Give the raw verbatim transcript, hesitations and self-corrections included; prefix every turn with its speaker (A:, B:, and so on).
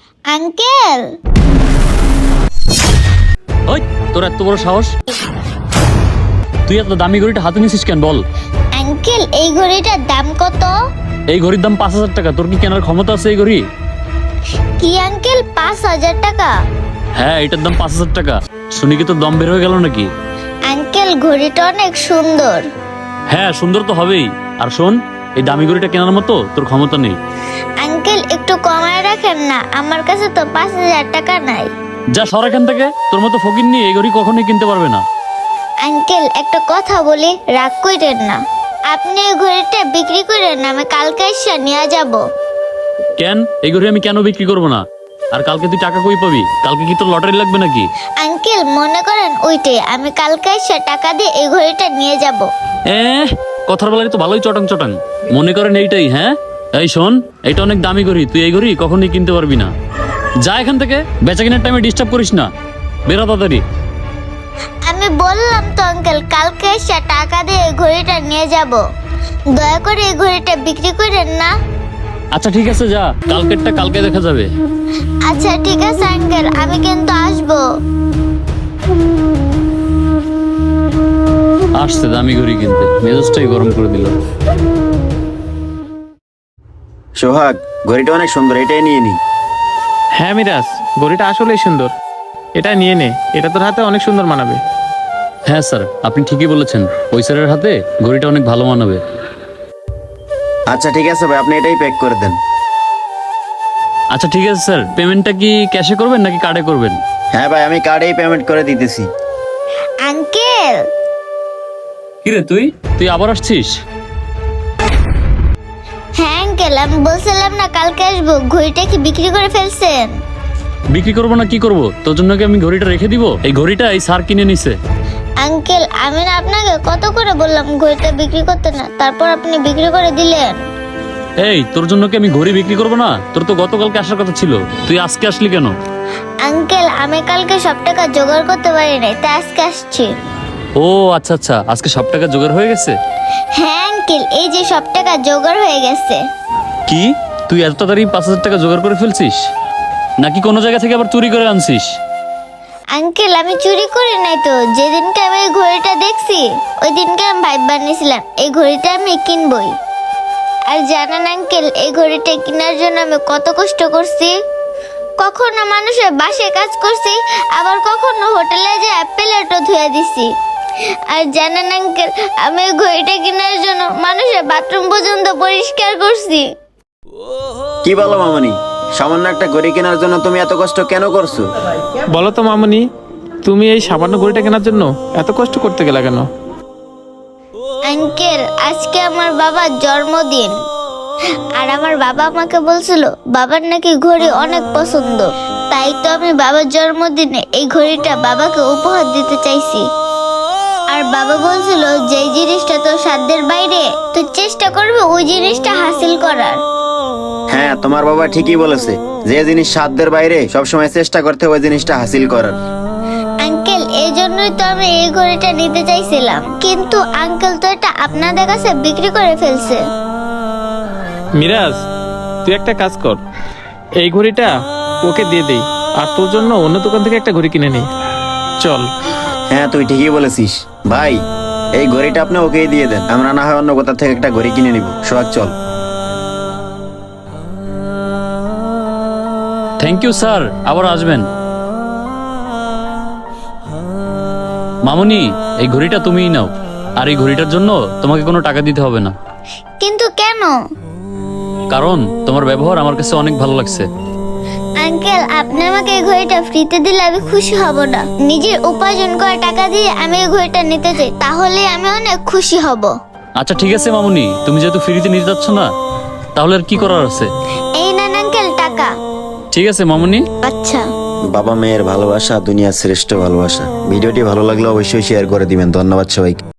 A: Uncle,
B: ওই তোর এত বড় সাহস, তুই এত দামি ঘড়িটা হাতে নিছিস কেন বল?
A: আঙ্কেল এই ঘড়িটার দাম কত?
B: এই ঘড়ির দাম পাঁচ হাজার টাকা। তোর কি কেনার ক্ষমতা আছে এই ঘড়ি?
A: কি আঙ্কেল, পাঁচ হাজার টাকা?
B: হ্যাঁ, এটার দাম পাঁচ হাজার টাকা। শুনি কি তোর দম বের হয়ে গেল নাকি?
A: আঙ্কেল ঘড়িটা অনেক সুন্দর।
B: হ্যাঁ, সুন্দর তো হবেই। আর শোন, এই দামি ঘড়িটা কেনার মতো তোর ক্ষমতা নেই।
A: আঙ্কেল একটু কমায় রাখেন না, আমার কাছে তো পাঁচ হাজার টাকা নাই।
B: যা সর এখান থেকে, তোর মতো ফকির নিয়ে এই ঘড়ি কখনোই কিনতে পারবে না।
A: আঙ্কেল একটা কথা বলি, রাগ কইরেন না। আপনি এই ঘড়িটা বিক্রি করেন না, আমি কালকে এসে নিয়ে যাব।
B: কেন? এই ঘড়ি আমি কেন বিক্রি করবো না? আর কালকে তুই টাকা কই পাবি? কালকে কি তোর লটারি লাগবে নাকি?
A: আঙ্কেল মনে করেন ওইটাই, আমি কালকে এসে টাকা দিয়ে এই ঘড়িটা নিয়ে যাব।
B: এ কথার বেলায় তো ভালোই চটাং চটাং। মনে করেন এইটাই? হ্যাঁ, এই শোন, এইটা অনেক দামি ঘড়ি, তুই এই ঘড়ি কখনোই কিনতে পারবি না। যা এখান থেকে, বেচা কেনার টাইমে ডিস্টার্ব করিস না। বেরো তাড়াতাড়ি।
A: আমি বললাম তো আঙ্কেল, কালকে এসে টাকা দিয়ে এই ঘড়িটা নিয়ে যাব। দয়া করে এই ঘড়িটা বিক্রি করেন না।
B: আচ্ছা ঠিক আছে, যা, কালকেরটা কালকে দেখা যাবে।
A: আচ্ছা ঠিক আছে আঙ্কেল, আমি কিন্তু আসবো।
B: আসছে দামি ঘড়ি কিনতে, মেজাজটাই গরম করে দিল।
C: সোহাগ, ঘড়িটা অনেক সুন্দর, এটাই নিয়ে নি।
D: হ্যাঁ মিরাজ, ঘড়িটা আসলেই সুন্দর, এটা নিয়ে নে, এটা তোর হাতে অনেক সুন্দর মানাবে।
B: হ্যাঁ স্যার, আপনি ঠিকই বলেছেন, ওই স্যারের হাতে ঘড়িটা অনেক ভালো মানাবে।
C: আচ্ছা ঠিক আছে ভাই, আপনি এটাই প্যাক করে দেন।
B: আচ্ছা ঠিক আছে স্যার, পেমেন্টটা কি ক্যাশে করবেন নাকি কার্ডে করবেন?
C: হ্যাঁ ভাই, আমি কার্ডেই পেমেন্ট করে দিতেছি।
A: আঙ্কেল,
B: কিরে তুই তুই আবার আসছিস?
A: হ্যাঁ আঙ্কেল, আমি বলছিলাম না কালকে আসবো, ঘড়িটা কি বিক্রি করে ফেলছেন?
B: বিক্রি করবো না কি করবো? তোর জন্য কি আমি ঘড়িটা রেখে দিব? এই ঘড়িটা এই স্যার কিনে নিছে।
A: আঙ্কেল আমি না আপনাকে কত করে বললাম ঘড়িটা বিক্রি করতে না, তারপর আপনি বিক্রি করে দিলেন।
B: এই, তোর জন্য কি আমি ঘড়ি বিক্রি করবো না? তোর তো গতকালকে আসার কথা ছিল, তুই আজকে আসলি কেন?
A: আঙ্কেল আমি কালকে সব টাকা জোগাড় করতে পারি নাই, তাই আজকে আসছি।
B: ও আচ্ছা আচ্ছা, আজকে সব টাকা জোগাড় হয়ে গেছে?
A: হ্যাঁ আঙ্কেল, এই যে সব টাকা জোগাড় হয়ে গেছে।
B: কি, তুই এত তাড়াতাড়ি পাঁচ হাজার টাকা জোগাড় করে ফেলছিস? নাকি কোনো জায়গা থেকে আবার চুরি করে আনছিস?
A: আঙ্কেল আমি চুরি করি নাই তো, যেদিনকে আমি এই ঘড়িটা দেখছি ওই দিনকে আমি ভাইব বানিয়েছিলাম এই ঘড়িটা আমি কিনবই। আর জানেন আঙ্কেল, এই ঘড়িটা কেনার জন্য আমি কত কষ্ট করছি। কখনো মানুষের বাসে কাজ করছি, আবার কখনো হোটেলে যে প্লেটও ধুয়ে দিছি। আর জানেন আঙ্কেল, আমি এই ঘড়িটা কেনার জন্য মানুষের বাথরুম পর্যন্ত পরিষ্কার করছি।
C: কি বলো মামনি, সামান্য একটা ঘড়ি কেনার জন্য তুমি এত কষ্ট কেন করছো?
D: বলো তো মামুনি, তুমি এই সামান্য ঘড়িটা কেনার জন্য এত কষ্ট করতে গেলে কেন?
A: আঙ্কেল আজকে আমার বাবার জন্মদিন, আর আমার বাবা আমাকে বলছিল বাবার নাকি ঘড়ি অনেক পছন্দ, তাই তো আমি বাবার জন্মদিনে এই ঘড়িটা বাবাকে উপহার দিতে চাইছি। আর বাবা বলছিল যে জিনিসটা তোর সাধ্যের বাইরে, তুই চেষ্টা করবি ওই জিনিসটা হাসিল করার।
C: হ্যাঁ, তোমার বাবা ঠিকই বলেছে, যে জিনিস সাধ্যের বাইরে সবসময় চেষ্টা করতে ওই জিনিসটা হাসিল করার।
A: আঙ্কেল এই জন্যই তো আমি এই ঘড়িটা নিতে চাইছিলাম, কিন্তু আঙ্কেল তো এটা আপনাদের কাছে বিক্রি করে ফেলছে।
D: মিরাজ, তুই একটা কাজ কর, এই ঘড়িটা ওকে দিয়ে দেই, আর তোর জন্য অন্য দোকান থেকে একটা ঘড়ি কিনে নেই, চল।
C: হ্যাঁ তুই ঠিকই বলেছিস ভাই, এই ঘড়িটা আপনি ওকেই দিয়ে দেন, আমরা না হয় অন্য কোথা থেকে একটা ঘড়ি কিনে নিব। সোহাগ চল।
B: থ্যাংক ইউ স্যার, আবার আসবেন। মামুনি, এই ঘড়িটা তুমিই নাও, আর এই ঘড়িটার জন্য তোমাকে কোনো টাকা দিতে হবে না।
A: কিন্তু কেন?
B: কারণ তোমার ব্যবহার আমার কাছে অনেক ভালো লাগছে।
A: আঙ্কেল আপনি আমাকে এই ঘড়িটা ফ্রিতে দিলে আমি খুশি হব না, নিজের উপার্জন করা টাকা দিয়ে আমি এই ঘড়িটা নিতে চাই, তাহলে আমি অনেক খুশি হব।
B: আচ্ছা ঠিক আছে মামুনি, তুমি যেহেতু ফ্রিতে নিতে যাচ্ছ না, তাহলে আর কি করার আছে?
A: এই নেন আঙ্কেল টাকা।
B: ঠিক আছে মামুনি।
A: আচ্ছা।
C: বাবা মেয়ের ভালোবাসা দুনিয়ার শ্রেষ্ঠ ভালোবাসা। ভিডিওটি ভালো লাগলে অবশ্যই শেয়ার করে দিবেন। ধন্যবাদ সবাইকে।